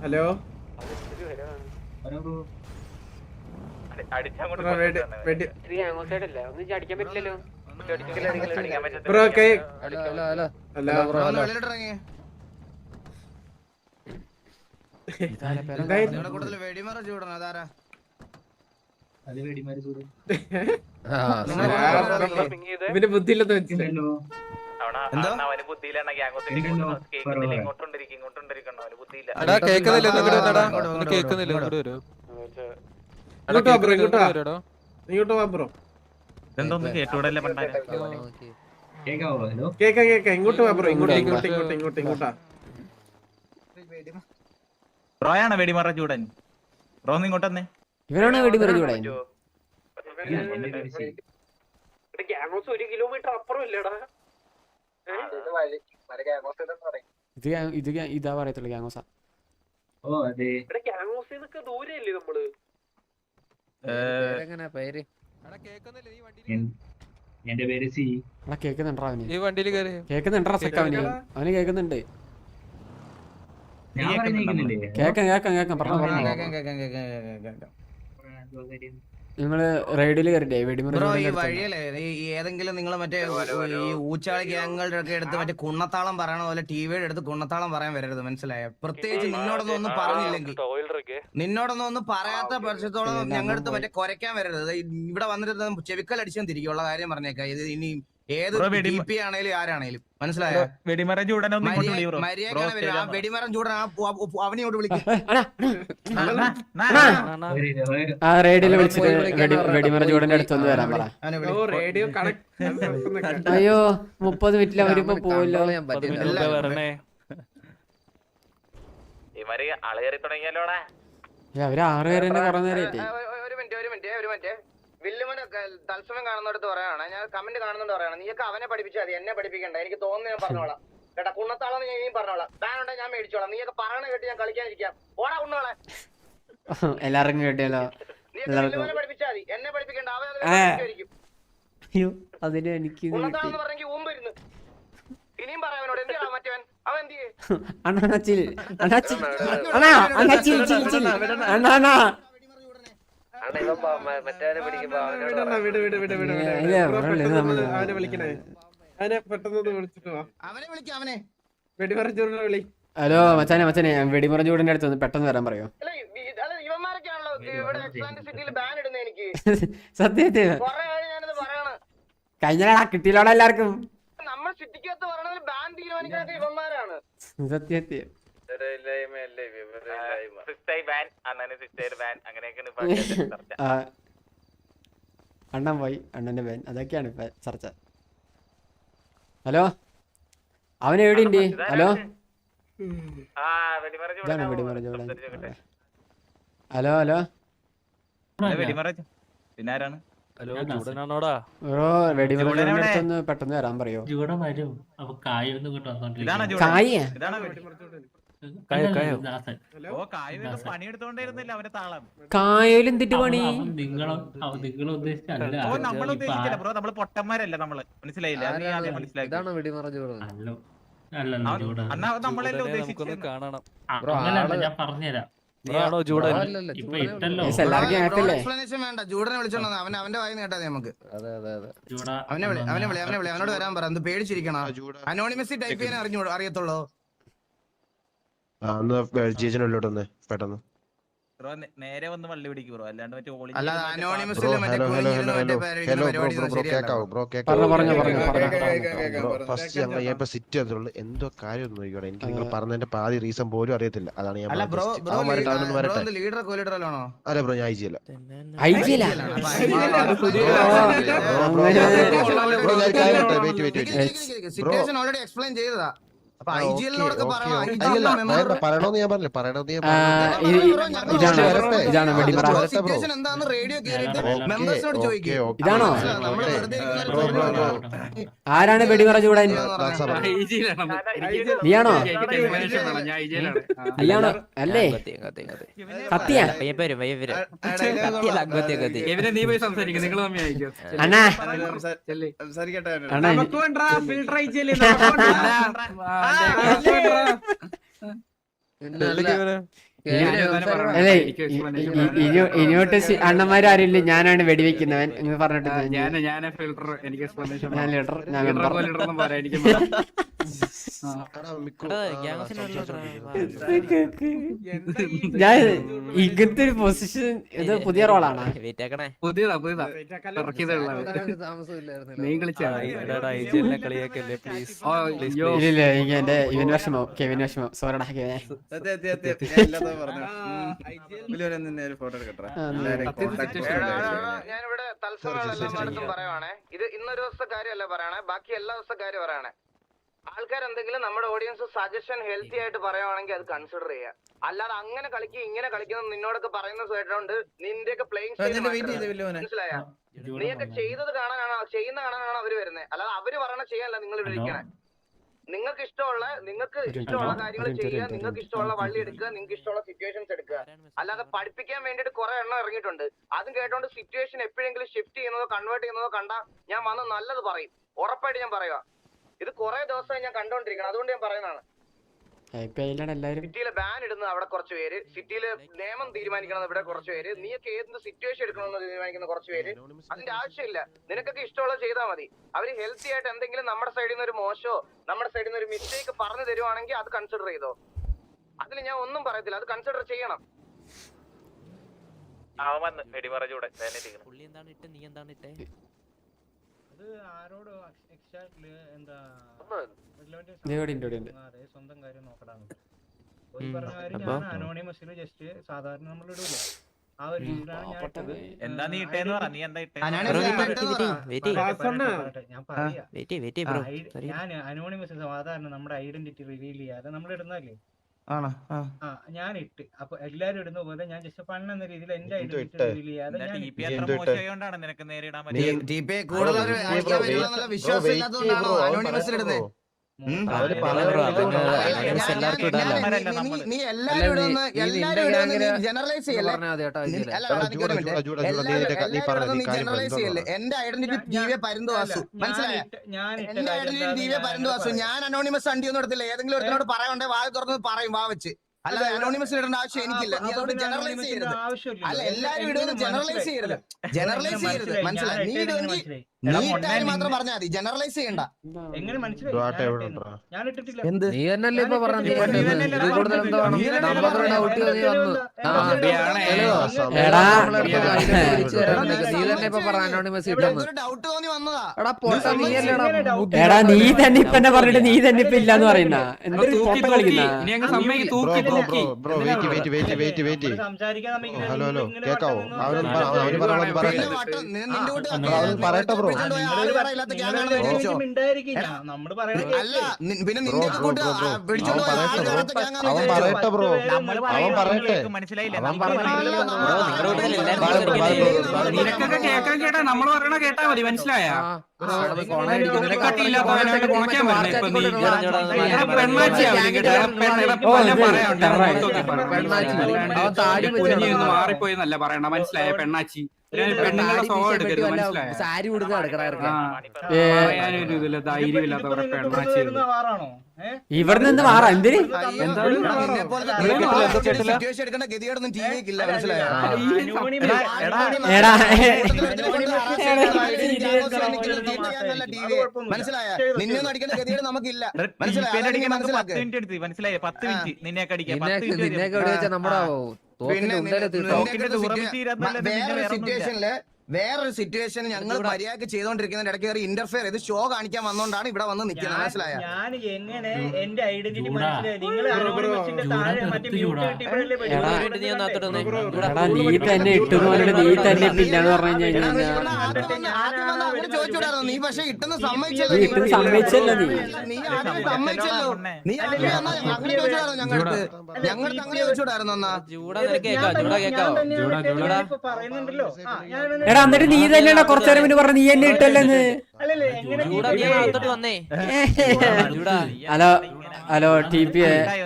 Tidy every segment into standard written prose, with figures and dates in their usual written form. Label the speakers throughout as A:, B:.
A: Hello bro ഇവന് ബുദ്ധിയില്ലെന്ന് വെച്ചില്ലല്ലോ. ഇങ്ങോട്ട് വാ ബ്രോ. കേക്കാം ഇങ്ങോട്ട് വാ ബ്രോ. ഇങ്ങോട്ടാ.
B: ബ്രോയാണ് വെടിമറ ചൂടൻ. ബ്രോ ഇങ്ങോട്ട് വന്നേ.
C: ഇവനാണ് വെടിമറ ചൂടൻ.
A: 1 കിലോമീറ്റർ അപ്പുറം ഇല്ലടാ.
C: ഇതാ പറയത്തുള്ളൂ ഗ്യാങ്ങോസ.
A: ദൂരല്ലേ നമ്മള്?
D: എന്റെ പേര് സി.
C: കേക്കുന്നുണ്ടാ അവന്? കേക്കുന്നുണ്ടാ സെക്ക അവന് കേക്കുന്നുണ്ട്. കേക്കാം പറഞ്ഞു. നിങ്ങള് റൈഡില് കയറിട്ടേ
E: ബ്രോ ഈ വഴിയല്ലേ ഏതെങ്കിലും നിങ്ങൾ മറ്റേ ഈ ഊച്ചാളി ഗ്യാങ്ങുകളുടെ ഒക്കെ എടുത്ത് മറ്റേ കുണ്ണത്താളം പറയണ പോലെ ടിവിയുടെ അടുത്ത് കുണ്ണത്താളം പറയാൻ വരരുത്, മനസ്സിലായോ? പ്രത്യേകിച്ച് നിന്നോടൊന്നും പറഞ്ഞില്ലെങ്കിൽ, നിന്നോടൊന്നും പറയാത്ത പക്ഷത്തോളം ഞങ്ങളടുത്ത് മറ്റേ കുരയ്ക്കാൻ വരരുത്. ഇവിടെ വന്നിട്ട് ചെവിക്കൽ അടിച്ചാൽ തിരിക്കുള്ള കാര്യം പറഞ്ഞേക്കാം. ഇത് ഇനി ഏത് DP ആണേലും ആരാണേലും മനസ്സിലായോ?
B: വെടിമരം ചൂടൻ
E: മര്യാദ വെടിമരം ചൂടൻ അവനെയോട് വിളിക്കും.
C: റേഡിയോയില് വിളിച്ചിട്ട് വെടിമറ ചൂടന്റെ അടുത്തൊന്ന് വരാൻ പറ. അയ്യോ 30 മിനിറ്റിൽ അവരിപ്പോ പോവല്ലോ. അവര് 6 പേര് തന്നെ കുറെ നേരമായിട്ട്.
E: ഒരു മിനിറ്റ് വില്ലുമനെ തത്സമയം കാണുന്നിടത്ത് പറയാണ്, ഞാൻ കമന്റ് കാണുന്നുണ്ട് പറയണം. നീയൊക്കെ അവനെ പഠിപ്പിച്ചാൽ മതി, എന്നെ പഠിപ്പിക്കണ്ട. എനിക്ക് തോന്നുന്നു ഞാൻ പറഞ്ഞോളാം കേട്ടാ. കുണ്ണത്താളം ഞാൻ പറഞ്ഞോളാം. ബാനുണ്ടെ ഞാൻ മേടിച്ചോളാം. നീയൊക്കെ പറയണ കേട്ട് ഞാൻ കളിക്കാനിരിക്കാം. ഓടാ കുണ്ണോളെ.
C: എല്ലാവർക്കും കേട്ടിയല്ലോ.
E: വില്ലുമനെ പഠിപ്പിച്ചാൽ മതി, എന്നെ പഠിപ്പിക്കണ്ട.
C: അയ്യോ അതിന് എനിക്ക്
E: കുണ്ണത്താളം പറഞ്ഞെങ്കിൽ ഊമ്പരുന്ന്. ഇനിയും പറയാവനോട് എന്തിനാ മറ്റവൻ അവൻ എന്തിയെ
C: ഹലോ മച്ചാനെ വെടിമറ ചൂടിന്റെ അടുത്ത് ഒന്ന് പെട്ടെന്ന് വരാൻ പറയോ? സത്യത്തിൽ കഴിഞ്ഞ കിട്ടിയില്ലോടെ എല്ലാവർക്കും. സത്യത്തിൽ അണ്ണൻ പോയി, അണ്ണന്റെ ബാൻ, അതൊക്കെയാണ് ഇപ്പൊ ചർച്ച. ഹലോ അവൻ എവിടെയുണ്ട്? ഹലോ ഇതാണ് വെടിമറ ചൂടൻ. ഹലോ
B: പിന്നാരാണ്?
C: ബ്രോ വെടിമറ ചൂടന്റെ അടുത്തൊന്ന് പെട്ടെന്ന് വരാൻ പറയോ?
B: പണിയെടുത്തോണ്ടിരുന്നില്ല അവന്റെ താളം.
C: കായലും എന്തിട്ട് പണി?
B: നമ്മൾ ഉദ്ദേശിച്ചില്ല ബ്രോ, നമ്മള് പൊട്ടന്മാരല്ല നമ്മള്, മനസ്സിലായില്ല? നീ ആദ്യം മനസ്സിലാക്കി. നമ്മളെല്ലാം ഉദ്ദേശിച്ചത്
D: ഞാൻ പറഞ്ഞുതരാം.
E: എക്സ്പ്ലനേഷൻ വേണ്ട. ജൂഡനെ വിളിച്ചോണ്ട് അവന്റെ വായി കേട്ടാ നമുക്ക്. അവനോട് വരാൻ പറ. എന്ത് പേടിച്ചിരിക്കണ? അനോണിമസി ടൈപ്പ് ചെയ്യാൻ അറിയത്തുള്ളൂ.
D: പെട്ടെന്ന്
B: ബ്രോ നേരെ വന്ന് വള്ളി പിടിക്കും ബ്രോ, അല്ലാണ്ട് മറ്റേ
D: എന്തോ കാര്യം നോക്കിയോടെ. എനിക്ക് നിങ്ങൾ പറഞ്ഞതിന്റെ പാതി റീസൺ പോലും അറിയത്തില്ല. അതാണ് ഞാൻ. അല്ല ബ്രോ ഞാൻ
E: ഓൾറെഡി എക്സ്പ്ലെയിൻ ചെയ്തതാ.
D: പറയണോന്ന് ഞാൻ പറഞ്ഞില്ല.
C: ഇതാണ് വെടിമറ. ഇതാണോ? ആരാണ് വെടിമറ ചൂടൻ? നീയാണോ? നീയാണോ? അല്ലേ സത്യ അണ്ണാ അണ്ണാ അല്ലേ ഇനിയോട്ട് അണ്ണന്മാരും ആരുമില്ല, ഞാനാണ് വെടിവെക്കുന്നവൻ എന്ന് പറഞ്ഞിട്ട് ഞാൻ ലീഡർ, ഞാൻ മെമ്പർ. ഞാൻ ഇങ്ങനത്തെ ഒരു പൊസിഷൻ ഇത് പുതിയ റോളാണ്. ഇല്ല എനിക്ക് എന്റെ ഇവൻ വിഷമോ കെവിൻ വിഷമോ സോറടാ കെവിനെ.
E: ഞാനിവിടെ തത്സരത്തും പറയുവാണേ, ഇത് ഇന്നൊരു ദിവസത്തെ കാര്യമല്ല പറയണേ, ബാക്കി എല്ലാ ദിവസത്തെ കാര്യം പറയണേ. ആൾക്കാർ എന്തെങ്കിലും നമ്മുടെ ഓഡിയൻസ് സജഷൻ ഹെൽത്തി ആയിട്ട് പറയുവാണെങ്കിൽ അത് കൺസിഡർ ചെയ്യുക. അല്ലാതെ അങ്ങനെ കളിക്കുക ഇങ്ങനെ കളിക്കുന്ന നിന്നോടൊക്കെ പറയുന്ന കേട്ടോണ്ട് നിന്റെയൊക്കെ പ്ലേയിങ് മനസ്സിലായ നീയൊക്കെ ചെയ്തത് കാണാനാണ് ചെയ്യുന്ന കാണാനാണ് അവര് വരുന്നത്. അല്ലാതെ അവര് പറയണ ചെയ്യാനല്ല നിങ്ങൾ ഇവിടെ ഇരിക്കണേ. നിങ്ങൾക്ക് ഇഷ്ടമുള്ള കാര്യങ്ങൾ ചെയ്യുക, നിങ്ങൾക്ക് ഇഷ്ടമുള്ള വള്ളി എടുക്കുക, നിങ്ങൾക്ക് ഇഷ്ടമുള്ള സിറ്റുവേഷൻസ് എടുക്കുക. അല്ലാതെ പഠിപ്പിക്കാൻ വേണ്ടിയിട്ട് കുറെ എണ്ണം ഇറങ്ങിയിട്ടുണ്ട്. അതും കേട്ടോണ്ട് സിറ്റുവേഷൻ എപ്പോഴെങ്കിലും ഷിഫ്റ്റ് ചെയ്യുന്നതോ കൺവേർട്ട് ചെയ്യുന്നതോ കണ്ടാ ഞാൻ വന്ന് നല്ലത് പറയും, ഉറപ്പായിട്ട് ഞാൻ പറയുക. ഇത് കുറെ ദിവസമായി ഞാൻ കണ്ടോണ്ടിരിക്കണം, അതുകൊണ്ട് ഞാൻ പറയുന്നതാണ്. സിറ്റിയിലെ ബാൻ ഇടുന്നത് അവിടെ കുറച്ച് പേര്, സിറ്റിയിലെ നിയമം തീരുമാനിക്കുന്നത് ഇവിടെ കുറച്ച് പേര്, നീയൊക്കെ ഏത് സിറ്റുവേഷൻ എടുക്കണമെന്ന് തീരുമാനിക്കുന്ന കുറച്ച് പേര്. അതിന്റെ ആവശ്യമില്ല, നിനക്കൊക്കെ ഇഷ്ടമുള്ളത് ചെയ്താൽ മതി. അവര് ഹെൽത്തി ആയിട്ട് എന്തെങ്കിലും നമ്മുടെ സൈഡിൽ നിന്ന് ഒരു മോശമോ നമ്മുടെ സൈഡിൽ നിന്ന് ഒരു മിസ്റ്റേക്ക് പറഞ്ഞു തരുവാണെങ്കിൽ അത് കൺസിഡർ ചെയ്തോ. അതിൽ ഞാൻ ഒന്നും പറയത്തില്ല, അത് കൺസിഡർ ചെയ്യണം.
B: സ്വന്തം കാര്യം നോക്കടാണ് അനോണിമസിൽ ജസ്റ്റ് സാധാരണ നമ്മൾ ഇടൂലേ ആ ഒരു രീതിയിലാണ് ഞാൻ ഇട്ടത്. എന്താ നീ ഇട്ടേന്ന് പറ, നീ എന്താ ഇട്ടേ? ഞാൻ അനോണിമസ് സാധാരണ നമ്മുടെ ഐഡന്റിറ്റി റിവീൽ ചെയ്യാതെ നമ്മൾ ഇടുന്നല്ലേ. ഞാൻ ഇട്ട് അപ്പൊ എല്ലാരും ഇടുന്ന പോലെ ഞാൻ ജസ്റ്റ് ഫൺ എന്ന രീതിയിൽ എന്റെ ഐഡന്റിറ്റി റിവീൽ ചെയ്യാതെ മോശമായോണ്ടാണ് നിനക്ക് നേരിടാൻ പറ്റുന്നത്.
E: നീ എല്ലാരും ജനറലൈസ് ചെയ്യല്ലേ. എന്റെ ഐഡന്റിറ്റി ദിവ്യ പരന്തുവാസു, മനസ്സിലായ? എന്റെ ഐഡന്റിറ്റി ദിവ്യ പരന്തുവാസു. ഞാൻ അനോണിമസ് അണ്ടിയൊന്നും എടുത്തില്ല. ഏതെങ്കിലും ഒരുത്തിനോട് പറയണ്ടേ വാ തുറന്ന് പറയും, വാ വെച്ച്. അല്ല അനോണിമസ് ഇടേണ്ട ആവശ്യം എനിക്കില്ല. നീ അതോട് ജനറലൈസ് ചെയ്യരുത്. അല്ല എല്ലാരും ഇടുന്നത് ജനറലൈസ് ചെയ്യരുത്, ജനറലൈസ് ചെയ്യരുത്, മനസ്സിലായി? നീ ഇടുമെങ്കിൽ നീ ഇട്ടാലും മാത്രം പറഞ്ഞാൽ മതി, ജനറലൈസ് ചെയ്യണ്ട.
B: എങ്ങനെ മനസ്സിലായി? ഞാൻ ഇട്ടിട്ടില്ല.
F: നീ തന്നെയല്ലേ ഇപ്പൊ പറഞ്ഞത്?
E: ഡൗട്ട് തോന്നി വന്നതാ.
C: എടാ നീ തന്നെ ഇപ്പൊ എന്നെ പറഞ്ഞിട്ട് നീ തന്നെ ഇപ്പൊ ഇല്ലാന്ന് പറയുന്ന എന്തൊരു ഫോട്ടോ കളിക്കുന്ന.
D: പറയട്ടെ ബ്രോ.
E: അല്ല പിന്നെ നിന്റെ
D: അവൻ പറയട്ടെ ബ്രോ, അവൻ പറയട്ടെ.
B: മനസ്സിലായില്ലേ?
G: നിനക്കൊക്കെ കേക്കാൻ കേട്ടാ നമ്മൾ പറയണ കേട്ടാ മതി, മനസ്സിലായ? മാറിപ്പോയെന്നല്ല പറയണ, മനസ്സിലായ? പെണ്ണാച്ചി പെണ്ണുങ്ങളുടെ സ്വഭാവം എടുക്കരുത്, മനസ്സിലായ?
F: സാരി കൊടുത്ത്
G: പറയാനൊരു ഇതില്ല, ധൈര്യമില്ലാത്തവരെ പെണ്ണാച്ചി.
C: ഇവിടെ നിന്ന് മാറാം എന്തിന്?
E: സിറ്റുവേഷൻ എടുക്കേണ്ട ഗതിയോടൊന്നും ടി വിക്ക് ഇല്ല, മനസ്സിലായോ? മനസ്സിലായ? നിന്നൊന്നും അടിക്കേണ്ട ഗതിയോട് നമുക്കില്ല, മനസ്സിലായി?
B: 10 മിനിറ്റ് നിന്നെയൊക്കെ അടിക്കാം.
E: വേറൊരു സിറ്റുവേഷൻ ഞങ്ങൾ മര്യാദക്ക് ചെയ്തോണ്ടിരിക്കുന്ന ഇടയ്ക്ക് കയറി ഇന്റർഫിയർ ചെയ്ത് ഷോ കാണിക്കാൻ വന്നോണ്ടാണ് ഇവിടെ വന്ന് നിൽക്കുന്നത്, മനസ്സിലായ?
B: ഞാൻ എങ്ങനെ എന്റെ ഐഡന്റിറ്റി മനസ്സിലായി? നിങ്ങൾ അനോണിമസിന്റെ താഴെ മറ്റേ മ്യൂട്ട്
C: നീ തന്നെ ഇട്ടുപോലെ നീ തന്നെ ഇല്ലാന്ന് പറഞ്ഞു കഴിഞ്ഞാൽ
E: ചോദിച്ചോടായിരുന്നു. നീ പക്ഷെ ഇട്ടെന്ന്
C: നീ
E: സമ്മതിച്ചല്ലോ.
C: ഇട്ടും സമ്മതിച്ചല്ലോ.
E: നീ ആദ്യം സമ്മതിച്ചല്ലോ. നീ അങ്ങനെ ചോദിച്ചോടായിരുന്നു ഞങ്ങൾക്ക് അങ്ങനെ ചോദിച്ചോടായിരുന്നു എന്നാ.
B: പറയുന്നുണ്ടല്ലോ.
C: എടാ എന്നിട്ട് നീ തന്നെയാണോ കുറച്ചു നേരം മുന്നേ പറഞ്ഞു നീ എന്നെ ഇട്ടല്ലെന്ന്?
B: അല്ലല്ലേ എങ്ങനെ
C: ഹലോ ഹലോ ടി പി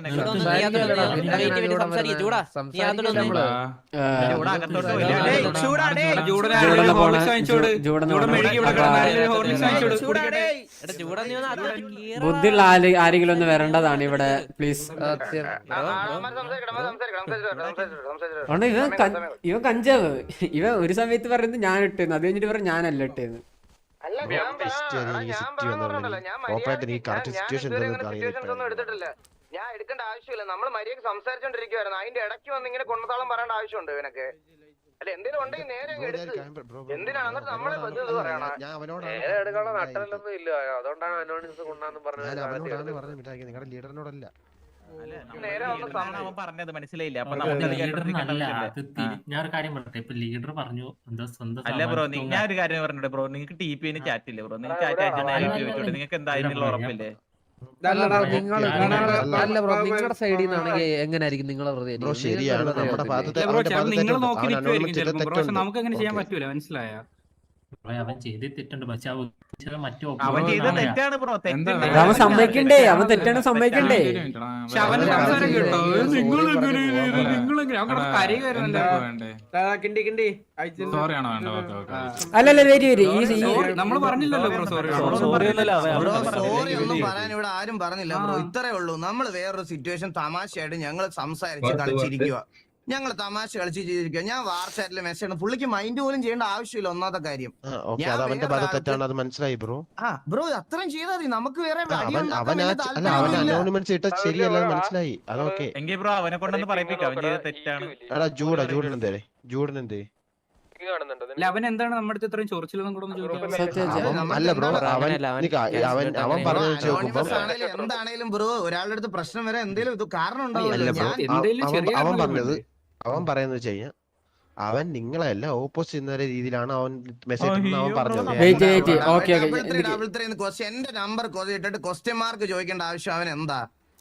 C: ബുദ്ധിയുള്ള ആരെങ്കിലും ഒന്ന് വരേണ്ടതാണ് ഇവിടെ പ്ലീസ്. ഇവൻ കഞ്ചാവ് ഇവൻ ഒരു സമയത്ത് പറയുന്നത് ഞാൻ ഇട്ടേന്ന്, അത് കഴിഞ്ഞിട്ട് പറഞ്ഞു ഞാനല്ല ഇട്ടേന്ന്.
E: ഞാൻ എടുക്കേണ്ട ആവശ്യമില്ല, നമ്മൾ മര്യാദ സംസാരിച്ചോണ്ടിരിക്കുവായിരുന്നു. അതിന്റെ ഇടയ്ക്ക് വന്ന് ഇങ്ങനെ കൊണ്ടതാളം പറയേണ്ട ആവശ്യമുണ്ട് ഇവനൊക്കെ? അല്ല എന്തെങ്കിലും ഉണ്ടെങ്കിൽ നേരെ എന്തിനാണ് എന്നിട്ട് നമ്മളെ പറയണം?
A: എടുക്കാനുള്ള നട്ടലൊന്നും ഇല്ല, അതുകൊണ്ടാണ് അനോണിമസ് കൊണ്ടാന്ന് പറഞ്ഞത്.
D: നിങ്ങളുടെ ലീഡറിനോടല്ല
B: അവൻ പറഞ്ഞത് മനസ്സിലായില്ല. അപ്പൊ
F: ഞാൻ ഒരു കാര്യം പറയട്ടെ, ഇപ്പൊ ലീഡർ പറഞ്ഞു
B: അല്ല ബ്രോ, ഞാൻ ഒരു കാര്യം പറഞ്ഞിട്ട് ബ്രോ, നിങ്ങൾക്ക് ടി പി ചാറ്റ് ഇല്ലേ ബ്രോ? നിങ്ങൾക്ക് ചാറ്റ് അയച്ചാൽ നിങ്ങൾക്ക് എന്തായാലും ഉറപ്പില്ലേ?
H: നിങ്ങളുടെ സൈഡിൽ നിന്നാണെങ്കിൽ എങ്ങനെയായിരിക്കും നിങ്ങളെ
D: ബ്രോ? ശരിയാണ്, നമ്മുടെ
G: നിങ്ങൾ നോക്കി നിൽക്കുമായിരിക്കും, നമുക്ക് അങ്ങനെ ചെയ്യാൻ പറ്റൂല, മനസ്സിലായ?
F: അവൻ ചെയ്ത് തെറ്റുണ്ട്, പക്ഷെ
B: അവൻ ചെയ്ത തെറ്റാണ് ബ്രോ,
C: അവൻ സമ്മതിക്കണ്ടേ, അവൻ തെറ്റാണ് സമ്മതിക്കണ്ടേ. അല്ലല്ല വരി
G: നമ്മള് പറഞ്ഞില്ലല്ലോ ബ്രോ, സോറി
E: ഒന്നും പറയാൻ ഇവിടെ ആരും പറഞ്ഞില്ല ബ്രോ. ഇത്രേ ഉള്ളൂ. നമ്മള് വേറൊരു സിറ്റുവേഷൻ തമാശയായിട്ട് ഞങ്ങൾ സംസാരിച്ച് കളിച്ചിരിക്കുക, ഞങ്ങൾ തമാശ കളിച്ചിരിക്കുക. ഞാൻ വാട്സാപ്പിൽ മെസ്സേജ് പുള്ളിക്ക് മൈൻഡ് പോലും ചെയ്യേണ്ട ആവശ്യമില്ല. ഒന്നാമത്തെ കാര്യം
D: മനസ്സിലായി ബ്രോ.
E: ബ്രോ അത്രയും ചെയ്താൽ മതി, നമുക്ക് വേറെ
D: ശരിയല്ല, മനസ്സിലായി. അതൊക്കെ
B: ബ്രോ അവനെ കൊണ്ടൊന്ന് പറയിപ്പിക്കാം, അവൻ ചെയ്ത തെറ്റാണ്.
D: ജൂഡനെന്തേ
G: അവൻ എന്താണ് നമ്മുടെ അടുത്ത് ഇത്രയും ചൊറിച്ചിലൊന്നും കൂടെ
D: അല്ല ബ്രോ, അവൻ പറഞ്ഞു
E: എന്താണേലും ബ്രോ ഒരാളുടെ അടുത്ത് പ്രശ്നം വരെ എന്തെങ്കിലും കാരണം
D: അവൻ പറഞ്ഞത്, അവൻ പറയുന്നത് വെച്ച് കഴിഞ്ഞാൽ അവൻ നിങ്ങളെല്ല ഓപ്പോസിറ്റ് ചെയ്യുന്ന രീതിയിലാണ് അവൻ മെസ്സേജ് അവൻ പറഞ്ഞത്.
E: എന്റെ നമ്പർ ഇട്ടിട്ട് ക്വസ്റ്റ്യൻ മാർക്ക് ചോദിക്കേണ്ട ആവശ്യം അവൻ എന്താ?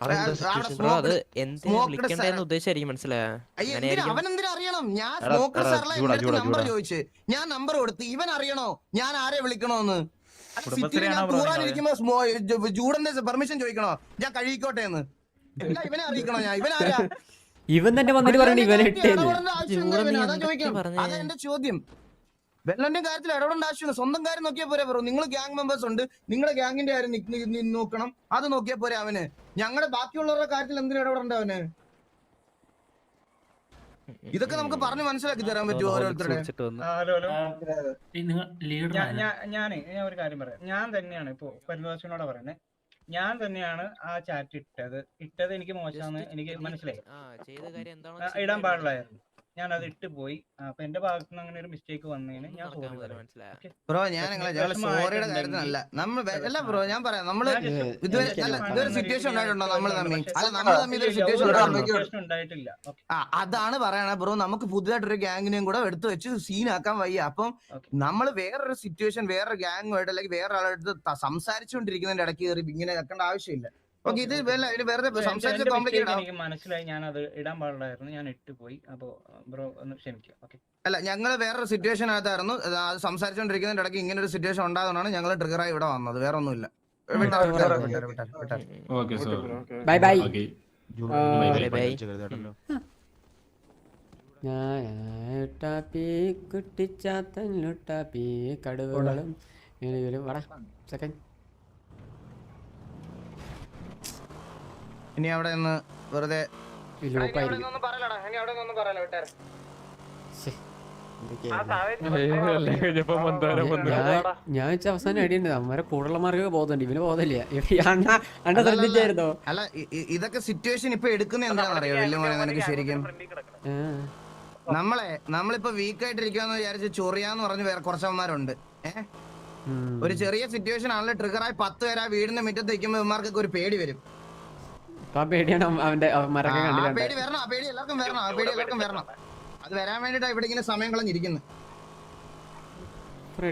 H: ഉദ്ദേശിച്ചായിരിക്കും മനസ്സിലായോ?
E: അവനെന്തിനാ അറിയണം? ഞാൻ നമ്പർ ചോദിച്ചു, ഞാൻ നമ്പർ കൊടുത്ത് ഇവൻ അറിയണോ ഞാൻ ആരെ വിളിക്കണോന്ന്? കൂറാനിരിക്കുമ്പോ ജൂഡന്റെ പെർമിഷൻ ചോദിക്കണോ ഞാൻ കഴിക്കോട്ടെ എന്ന്? ഇവനെ അറിയിക്കണോ ഞാൻ? ഇവനാരാ?
C: ഇവൻ തന്നെ വന്നിട്ട് പറഞ്ഞു ഇവനെ ഇട്ടേന്ന്.
E: അതാ എന്റെ ചോദ്യം. വെള്ളന്റെ കാര്യത്തിൽ ഇടപെടേണ്ട ആവശ്യമില്ല, സ്വന്തം കാര്യം നോക്കിയാൽ പോരെ ബ്രോ. നിങ്ങൾ ഗ്യാങ് മെമ്പേഴ്സ് ഉണ്ട്, നിങ്ങളുടെ ഗ്യാങ്ങിന്റെ കാര്യം നോക്കണം, അത് നോക്കിയാൽ പോരെ അവന്. ഞങ്ങളുടെ ബാക്കിയുള്ളവരുടെ കാര്യത്തിൽ എന്തിനു ഇടപെടേണ്ട അവന്? ഇതൊക്കെ നമുക്ക് പറഞ്ഞ് മനസ്സിലാക്കി തരാൻ പറ്റുമോ ഓരോരുത്തരുടെ?
B: ഞാൻ ഒരു കാര്യം പറയാം. ഞാൻ തന്നെയാണ് ഇപ്പൊ പരിദോഷനോട് പറയുന്നത്, ഞാൻ തന്നെയാണ് ആ ചാറ്റ് ഇട്ടത് എനിക്ക് മോശമാണ്, എനിക്ക് മനസ്സിലായി. ഇടാൻ പാടില്ലായിരുന്നു, ഞാൻ അത് ഇട്ട് പോയി. അപ്പൊ എന്റെ ഭാഗത്ത് നിന്ന് അങ്ങനെ ഒരു മിസ്റ്റേക്ക് വന്നതിന് ഞാൻ
E: ബ്രോ, ഞാൻ സോറിയുടെ കാര്യത്തിനല്ല നമ്മൾ അല്ല ബ്രോ, ഞാൻ പറയാം. നമ്മള് ഇതൊരു സിറ്റുവേഷൻ ഉണ്ടായിട്ടുണ്ടോ നമ്മൾ തമ്മിൽ? അല്ല നമ്മൾ തമ്മിൽ ഇതൊരു സിറ്റുവേഷൻ
B: ഉണ്ടായിട്ടില്ല.
E: അതാണ് പറയണ ബ്രോ. നമുക്ക് പുതുതായിട്ടൊരു ഗ്യാങ്ങിനെയും കൂടെ എടുത്തു വെച്ച് സീനാക്കാൻ വയ്യ. അപ്പം നമ്മൾ വേറൊരു സിറ്റുവേഷൻ വേറൊരു ഗ്യാങ്ങുമായിട്ട് അല്ലെങ്കിൽ വേറെ ആളെടുത്ത് സംസാരിച്ചുകൊണ്ടിരിക്കുന്നതിന്റെ ഇടയ്ക്ക് കയറി ഇങ്ങനെ വെക്കേണ്ട ആവശ്യമില്ല.
B: എനിക്ക് മനസ്സിലായി, ഞാൻ അത് ഇടാൻ പാടില്ലായിരുന്നു, ഞാൻ ഇട്ട് പോയി. അപ്പൊ ബ്രോ ഒന്ന് ക്ഷമിക്കുക.
E: അല്ല, ഞങ്ങൾ വേറൊരു സിറ്റുവേഷൻ ആയിട്ടായിരുന്നു അത് സംസാരിച്ചോണ്ടിരിക്കുന്നതിന്റെ ഇടയ്ക്ക് ഇങ്ങനെ ഒരു സിറ്റുവേഷൻ ഉണ്ടാകുന്നതാണ് ഞങ്ങൾ ട്രിഗറായി ഇവിടെ വന്നത്, വേറെ ഒന്നുമില്ല.
C: Bye bye. കുട്ടിച്ചാത്തൻ കടുവകളും സെക്കൻഡ്.
E: ഇനി അവിടെ നിന്ന് വെറുതെ
C: ഞാൻ അവസാനം അടിയുണ്ട്. അമ്മരെ കൂടുതലുള്ള മാർക്ക് ബോധമുണ്ട്, ഇവന് ബോധമില്ല. അണ്ണ ശ്രദ്ധിച്ചായിരുന്നോ?
E: അല്ല, ഇതൊക്കെ സിറ്റുവേഷൻ ഇപ്പൊ എടുക്കുന്ന എന്താണെന്ന് അറിയോ വല്യമോനെ നിനക്ക്? ശരിക്കും നമ്മളിപ്പോ വീക്കായിട്ടിരിക്കാന്ന് വിചാരിച്ച് ചൊറിയാന്ന് പറഞ്ഞ് വേറെ കുറച്ചവന്മാരുണ്ട്. ഒരു ചെറിയ സിറ്റുവേഷൻ ആണല്ലോ ട്രിഗറായി 10 പേര് ആ വീടിന്റെ മുറ്റത്ത് നിൽക്കുമ്പോ ഇവന്മാർക്കൊക്കെ ഒരു പേടി വരും.
C: പേടിയാണ് അവന്റെ
E: പേടി വരണം, ആ പേടി എല്ലാവർക്കും വരണം, ആ പേടി എല്ലാവർക്കും വരണം. അത് വരാൻ വേണ്ടിട്ടാ ഇവിടെ ഇങ്ങനെ സമയം കളഞ്ഞിരിക്കുന്നത്.